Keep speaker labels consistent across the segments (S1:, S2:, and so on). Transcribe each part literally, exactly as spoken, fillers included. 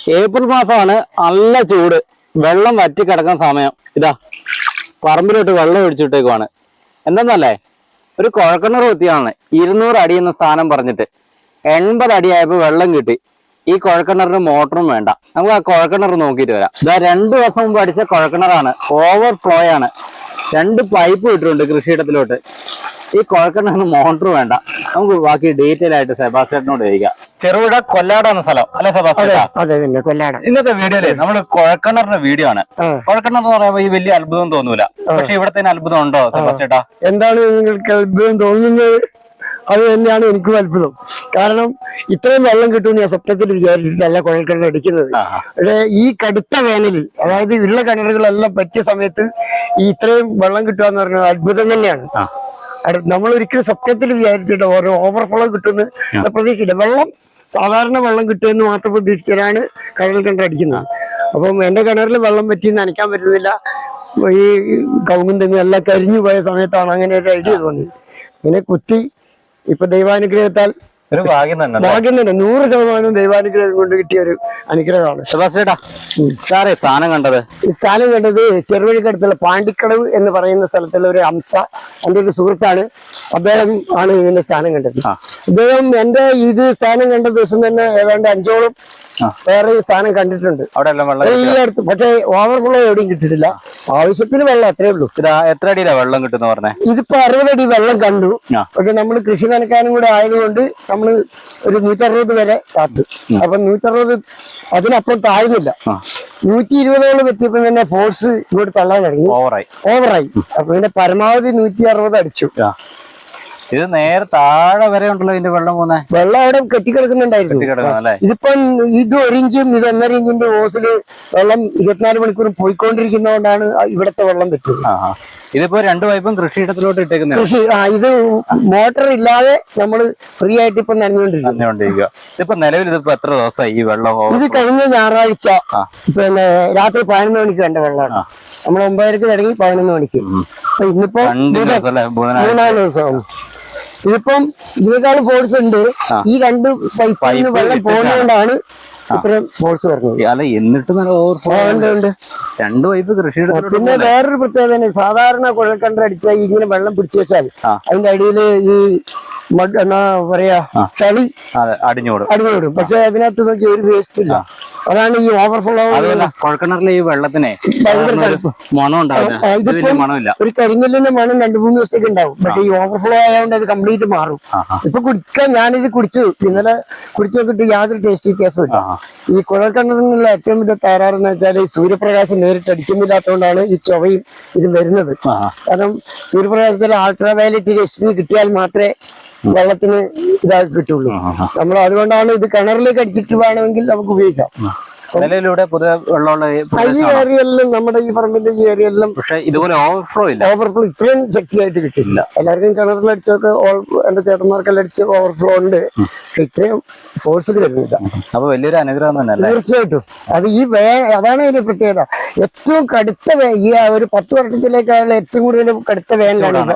S1: April മാസമാണ്, നല്ല ചൂട്, വെള്ളം വറ്റി കിടക്കുന്ന സമയം. ഇതാ പറമ്പിലോട്ട് വെള്ളം ഒഴിച്ചിട്ടേക്കുവാണ്. എന്തെന്നല്ലേ, ഒരു കുഴൽക്കിണർ കുത്തിയാണ് ഇരുന്നൂറ് അടി എന്ന സ്ഥാനം പറഞ്ഞിട്ട് എൺപത് അടിയായപ്പോൾ വെള്ളം കിട്ടി. ഈ കുഴൽക്കിണറിന് മോട്ടറും വേണ്ട. നമുക്ക് ആ കുഴൽക്കിണർ നോക്കിയിട്ട് വരാം. ഇതാ രണ്ടു ദിവസം മുമ്പ് അടിച്ച കുഴൽക്കിണറാണ്, ഓവർ ഫ്ലോ ആണ്. രണ്ട് പൈപ്പ് ഇട്ടിട്ടുണ്ട് കൃഷിയിടത്തിലോട്ട്. ഈ കുഴൽക്കിണറിന് മോട്ടർ വേണ്ട. നമുക്ക് ബാക്കി ഡീറ്റെയിൽ ആയിട്ട് സെബാസ്റ്റ്യനോട് ചോദിക്കാം. ചെറുപുഴ കൊല്ലാട് എന്ന സ്ഥലം അല്ലെ സെബാസ്റ്റ്യൻ?
S2: കൊല്ലാട്.
S1: ഇന്നത്തെ വീഡിയോയില് നമ്മള് കുഴൽക്കിണറിന്റെ വീഡിയോ ആണ്. കുഴൽക്കിണർ എന്ന് പറയുമ്പോൾ ഈ വലിയ അത്ഭുതം തോന്നൂല, പക്ഷെ ഇവിടത്തെ അത്ഭുതം ഉണ്ടോ സെബാസ്റ്റ്യേട്ടാ?
S2: എന്താണ് നിങ്ങൾക്ക് അത്ഭുതം തോന്നുന്നത്? അത് തന്നെയാണ് എനിക്കും അത്ഭുതം. കാരണം ഇത്രയും വെള്ളം കിട്ടുമെന്ന് ഞാൻ സ്വപ്നത്തിൽ വിചാരിച്ചിട്ടല്ല കുഴൽക്കിണർ അടിക്കുന്നത്. പക്ഷേ ഈ കടുത്ത വേനലിൽ, അതായത് ഉള്ള കിണറുകളെല്ലാം പറ്റിയ സമയത്ത് ഈ ഇത്രയും വെള്ളം കിട്ടുക എന്ന് പറയുന്നത് അത്ഭുതം തന്നെയാണ്. നമ്മൾ ഒരിക്കലും സ്വപ്നത്തിൽ വിചാരിച്ചിട്ട് ഓരോ ഓവർഫ്ലോ കിട്ടുമെന്ന് പ്രതീക്ഷയില്ല. വെള്ളം സാധാരണ വെള്ളം കിട്ടുമെന്ന് മാത്രം പ്രതീക്ഷിച്ചാണ് കിണർ കിണർ അടിക്കുന്നത്. അപ്പം എന്റെ കിണറിൽ വെള്ളം പറ്റി നനയ്ക്കാൻ പറ്റുന്നില്ല. ഈ കവുങ്ങും തെങ്ങും എല്ലാം കരിഞ്ഞു പോയ സമയത്താണ് അങ്ങനെ ഒരു ഐഡിയ തോന്നി. ഇങ്ങനെ കുത്തി ഇപ്പൊ ദൈവാനുഗ്രഹത്താൽ
S1: ഒരു ഭാഗ്യം തന്നെ,
S2: ഭാഗ്യം തന്നെ, നൂറ് ശതമാനവും ദൈവാനുഗ്രഹം കൊണ്ട് കിട്ടിയ ഒരു അനുഗ്രഹമാണ്.
S1: സാറേ സ്ഥാനം കണ്ടത്? ഈ
S2: സ്ഥാനം കണ്ടത് ചെറുവഴിക്കടുത്തുള്ള പാണ്ടിക്കടവ് എന്ന് പറയുന്ന സ്ഥലത്തുള്ള ഒരു അംസ, എൻ്റെ ഒരു സുഹൃത്താണ്. അദ്ദേഹം ആണ് ഇതിന്റെ സ്ഥാനം കണ്ടത്. അദ്ദേഹം എന്റെ ഇത് സ്ഥാനം കണ്ട ദിവസം തന്നെ ഏതാണ്ട് അഞ്ചോളം വേറെ സ്ഥാനം കണ്ടിട്ടുണ്ട് ഈ അടുത്ത്. പക്ഷേ ഓവർഫ്ലോ എവിടെയും കിട്ടിയിട്ടില്ല. ആവശ്യത്തിന് വെള്ളം അത്രേ ഉള്ളൂ.
S1: എത്ര അടിയിലാ വെള്ളം കിട്ടുന്ന പറഞ്ഞേ?
S2: ഇതിപ്പോ അറുപത് അടി വെള്ളം കണ്ടു. പക്ഷെ നമ്മൾ കൃഷി നനക്കാനും കൂടെ ആയതുകൊണ്ട് നമ്മള് ഒരു നൂറ്ററുപത് വരെ കാത്തു. അപ്പൊ നൂറ്ററുപത് അതിനപ്പുറം താഴ്ന്നില്ല. നൂറ്റി ഇരുപതോളം എത്തിയപ്പോ തന്നെ ഫോഴ്സ് ഇങ്ങോട്ട് തള്ളാൻ തുടങ്ങി, ഓവറായി ഓവറായി അപ്പൊ പിന്നെ പരമാവധി നൂറ്റി അറുപത് അടിച്ചു.
S1: ഇത് നേരെ താഴെ വരെ ഉണ്ടല്ലോ ഇതിന്റെ വെള്ളം പോകുന്നത്.
S2: വെള്ളം അവിടെ കെട്ടിക്കിടക്കുന്നുണ്ടായിരുന്നു. ഇതിപ്പം ഇത് ഒരു ഇഞ്ചും ഇത് ഒന്നര ഇഞ്ചിന്റെ ഓസില് വെള്ളം ഇരുപത്തിനാല് മണിക്കൂറും പോയിക്കൊണ്ടിരിക്കുന്നതുകൊണ്ടാണ് ഇവിടത്തെ വെള്ളം പറ്റുന്നത്.
S1: ഇതിപ്പോ രണ്ട് പൈപ്പും കൃഷിയിടത്തിലോട്ട് ഇട്ടേക്കുന്നത്.
S2: കൃഷി ആ ഇത് മോട്ടർ ഇല്ലാതെ നമ്മള് ഫ്രീ ആയിട്ട് ഇപ്പൊ നനഞ്ഞുകൊണ്ടിരിക്കുക.
S1: ഇതിപ്പോ നിലവിൽ ഇതിപ്പോ എത്ര ദിവസമായി ഈ വെള്ളം?
S2: ഇത് കഴിഞ്ഞ ഞായറാഴ്ച പിന്നെ രാത്രി പതിനൊന്ന് മണിക്ക് വേണ്ട വെള്ളമാണ്. നമ്മൾ ഒമ്പതരക്ക് തുടങ്ങി പതിനൊന്ന് മണിക്ക്. ഇന്നിപ്പോ മൂന്നാല് ദിവസമാണ്. ഇതിപ്പം ഇതിനേക്കാളും ഫോഴ്സ് ഉണ്ട്. ഈ രണ്ട് പൈപ്പിൽ നിന്ന് വെള്ളം പോകുന്നതുകൊണ്ടാണ് ഇത്രയും ഫോഴ്സ് വരുന്നത്.
S1: അല്ല എന്നിട്ട് നല്ല ഓവർഫ്ലോ ഉണ്ട്. രണ്ട് പൈപ്പ് കൃഷി.
S2: പിന്നെ വേറൊരു പ്രത്യേകത തന്നെ, സാധാരണ കുഴൽക്കിണർ അടിച്ചാൽ ഇങ്ങനെ വെള്ളം പിടിച്ചു വെച്ചാൽ അതിന്റെ അടിയിൽ ഈ എന്നാ പറയാ ചളി
S1: അടിഞ്ഞോടും
S2: അടിഞ്ഞോടും. പക്ഷെ അതിനകത്ത് നോക്കി ഒരു വേസ്റ്റ് ഇല്ല. അതാണ് ഈ ഓവർഫ്ലോ.
S1: കുഴൽക്കിണറിലെ ഈ വെള്ളത്തിനെ
S2: ഒരു കരിങ്കല്ലിന്റെ മണം രണ്ടു മൂന്ന് ദിവസത്തേക്ക് ഉണ്ടാവും. പക്ഷെ ഈ ഓവർഫ്ലോ ആയതുകൊണ്ട് അത് കംപ്ലീറ്റ് മാറും. ഇപ്പൊ കുടിക്കാൻ ഞാനിത് കുടിച്ചു, ഇന്നലെ കുടിച്ചു നോക്കിയിട്ട് യാതൊരു ടേസ്റ്റ് വ്യത്യാസമില്ല. ഈ കുഴൽക്കിണറിനുള്ള ഏറ്റവും വലിയ തകരാറെന്ന് വെച്ചാൽ ഈ സൂര്യപ്രകാശം നേരിട്ട് അടിക്കുന്നില്ലാത്തതുകൊണ്ടാണ് ഈ ചൊവയും ഇത് വരുന്നത്. കാരണം സൂര്യപ്രകാശത്തിൽ അൾട്രാ വയലറ്റ് രശ്മി കിട്ടിയാൽ മാത്രമേ വെള്ളത്തിന് ഇതാക്കി കിട്ടുള്ളൂ. നമ്മൾ അതുകൊണ്ടാണ് ഇത് കിണറിലേക്ക് അടിച്ചിട്ട് വേണമെങ്കിൽ നമുക്ക് ഉപയോഗിക്കാം.
S1: നിലവിലൂടെ പൊതുവെ വെള്ളമുള്ള
S2: ഈ ഏരിയയിലും നമ്മുടെ ഈ പറമ്പിന്റെ ഈ ഏരിയയിലും
S1: പക്ഷെ ഇതുപോലെ ഓവർഫ്ലോ ഇല്ല.
S2: ഓവർഫ്ലോ ഇത്രയും ശക്തിയായിട്ട് കിട്ടില്ല. എല്ലാവർക്കും കിണറിലടിച്ചൊക്കെ എന്റെ ചേട്ടന്മാർക്കെല്ലാം അടിച്ച് ഓവർഫ്ലോ ഉണ്ട്. ഇത്രയും ഫോഴ്സിൽ വരുന്നില്ല.
S1: അപ്പൊ വലിയൊരു അനുഗ്രഹം തന്നെ.
S2: തീർച്ചയായിട്ടും അത് ഈ വേ അതാണ് ഇതിന്റെ പ്രത്യേകത. ഏറ്റവും കടുത്ത ഈ ഒരു പത്ത് വർഷത്തിലേക്കാണ് ഏറ്റവും കൂടുതൽ കടുത്ത വേനലാണ്.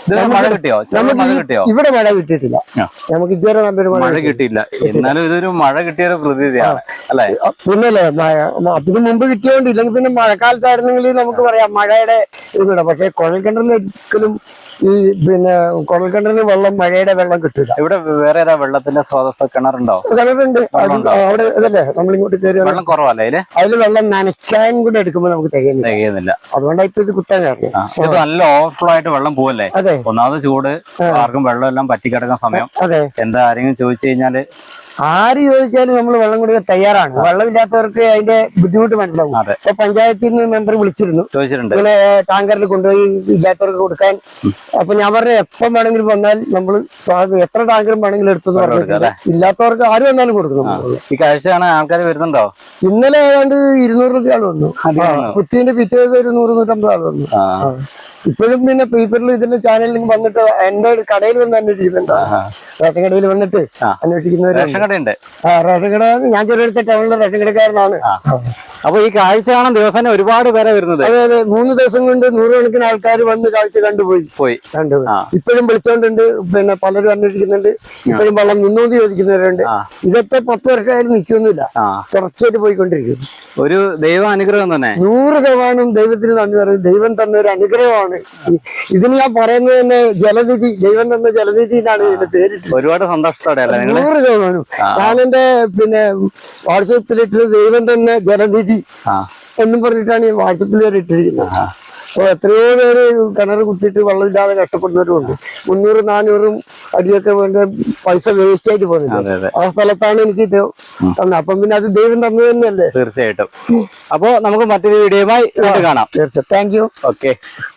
S2: ഇവിടെ മഴ കിട്ടിയിട്ടില്ല. നമുക്ക് ഇതുവരെ നല്ലൊരു
S1: മഴ കിട്ടിയില്ല. എന്നാലും ഇതൊരു മഴ കിട്ടിയൊരു പ്രതീതിയാണ് അല്ലെ?
S2: പിന്നല്ലേ അതിന് മുമ്പ് കിട്ടിയോണ്ട്. ഇല്ലെങ്കിൽ പിന്നെ മഴക്കാലത്തായിരുന്നെങ്കിൽ നമുക്ക് പറയാം മഴയുടെ ഇതുകൂടെ. പക്ഷെ കുഴൽക്കിണറിൽ ഒരിക്കലും ഈ പിന്നെ കുഴൽക്കിണറിന് വെള്ളം മഴയുടെ വെള്ളം കിട്ടില്ല.
S1: ഇവിടെ വേറെ വെള്ളത്തിന്റെ സ്രോതസ് കിണറുണ്ടോ?
S2: കിണറുണ്ട് അവിടെ. അതല്ലേ നമ്മളിങ്ങോട്ട് കയറി
S1: വെള്ളം കുറവല്ലേ
S2: അതിൽ വെള്ളം നനയ്ക്കാൻ കൂടെ എടുക്കുമ്പോൾ നമുക്ക് തികയുന്നില്ല. അതുകൊണ്ടാണ് ഇപ്പൊ ഇത് കുത്താൻ കാരണം.
S1: നല്ല ഓവർഫ്ലോ ആയിട്ട് വെള്ളം പോവല്ലേ? അതെ. ഒന്നാമത് ചൂട്, ആർക്കും വെള്ളം എല്ലാം പറ്റിക്കിടക്കുന്ന സമയം. അതെ. എന്താ ആരെങ്കിലും ചോദിച്ചു കഴിഞ്ഞാല്
S2: ആര് ചോദിച്ചാലും നമ്മൾ വെള്ളം കൊടുക്കാൻ തയ്യാറാണ്. വെള്ളമില്ലാത്തവർക്ക് അതിന്റെ ബുദ്ധിമുട്ട് മനസ്സിലാവും. ഇപ്പൊ പഞ്ചായത്തിൽ നിന്ന് മെമ്പർ വിളിച്ചിരുന്നു, ഇങ്ങനെ ടാങ്കറിൽ കൊണ്ടുപോയി ഇല്ലാത്തവർക്ക് കൊടുക്കാൻ. അപ്പൊ ഞാൻ പറഞ്ഞ എപ്പം വേണമെങ്കിലും വന്നാൽ നമ്മൾ എത്ര ടാങ്കറും വേണമെങ്കിലും എടുത്തെന്ന് പറഞ്ഞിട്ടുണ്ട്. ഇല്ലാത്തവർക്ക് ആര് വന്നാലും കൊടുക്കണം.
S1: ഈ കാഴ്ചയാണ് ആൾക്കാർ വരുന്നുണ്ടോ?
S2: ഇന്നലെ ഏതാണ്ട് ഇരുന്നൂറ് ആൾ വന്നു. കുറ്റീന്റെ പിറ്റേ ദിവസം ഒരു നൂറ് നൂറ്റമ്പത് ആൾ വന്നു. ഇപ്പോഴും പിന്നെ പേപ്പറിൽ ഇതിന്റെ ചാനലിൽ വന്നിട്ട് എന്റെ കടയിൽ വന്ന് അന്വേഷിക്കുന്നുണ്ട്. റേഷൻ കടയിൽ വന്നിട്ട് അന്വേഷിക്കുന്നവരുണ്ട്.
S1: കടയുണ്ട്.
S2: ആ റേഷൻ കട ഞാൻ ചെറിയ ടൗണിലെ റേഷൻ കടക്കാരനാണ്.
S1: അപ്പൊ ഈ കാഴ്ച കാണാൻ ദിവസം ഒരുപാട് പേരെ വരുന്നത്.
S2: അതെ അതെ, മൂന്ന് ദിവസം കൊണ്ട് നൂറുകണക്കിന് ആൾക്കാർ വന്ന് കാഴ്ച കണ്ടുപോയി
S1: പോയി
S2: കണ്ടുപോയി. ഇപ്പോഴും വിളിച്ചോണ്ടുണ്ട്, പിന്നെ പലരും അന്വേഷിക്കുന്നുണ്ട്. ഇപ്പോഴും വെള്ളം മുന്നൂറ്റി ചോദിക്കുന്നവരുണ്ട്. ഇതൊക്കെ പത്ത് വർഷമായാലും നിൽക്കുന്നില്ല, തുടർച്ചയായിട്ട് പോയിക്കൊണ്ടിരിക്കുന്നു.
S1: ഒരു ദൈവ അനുഗ്രഹം തന്നെ.
S2: നൂറ് ശതമാനം ദൈവത്തിന് നന്ദി പറയുന്നത്. ദൈവം തന്ന ഒരു അനുഗ്രഹമാണ്. ഇതിന് ഞാൻ പറയുന്നത് തന്നെ ജലനിധി, ദൈവം തന്ന ജലനിധി എന്നാണ് ഇതിന്റെ പേരിട്ട്.
S1: ഒരുപാട് സന്തോഷത്തോടെ
S2: നൂറ് ശതമാനം. ഞാൻ എന്റെ പിന്നെ വാട്സപ്പിലിട്ട് ദൈവം തന്നെ ജലനിധി എന്നും പറഞ്ഞിട്ടാണ് ഈ വാട്സപ്പിൽ വരെ ഇട്ടിരിക്കുന്നത്. അപ്പൊ എത്രയോ പേര് കിണർ കുത്തിയിട്ട് വെള്ളമില്ലാതെ കഷ്ടപ്പെടുന്നവരുണ്ട്. മുന്നൂറ് നാനൂറും അടിയൊക്കെ വേണ്ട പൈസ വേസ്റ്റ് ആയിട്ട് പോകുന്നില്ല. ആ സ്ഥലത്താണ് എനിക്ക് തന്നെ. അപ്പം പിന്നെ അത് ദൈവം തന്നു തന്നെയല്ലേ.
S1: തീർച്ചയായിട്ടും. അപ്പോ നമുക്ക് മറ്റൊരു വീഡിയോയുമായി കാണാം.
S2: തീർച്ചയായും. Thank you.
S1: ഓക്കെ.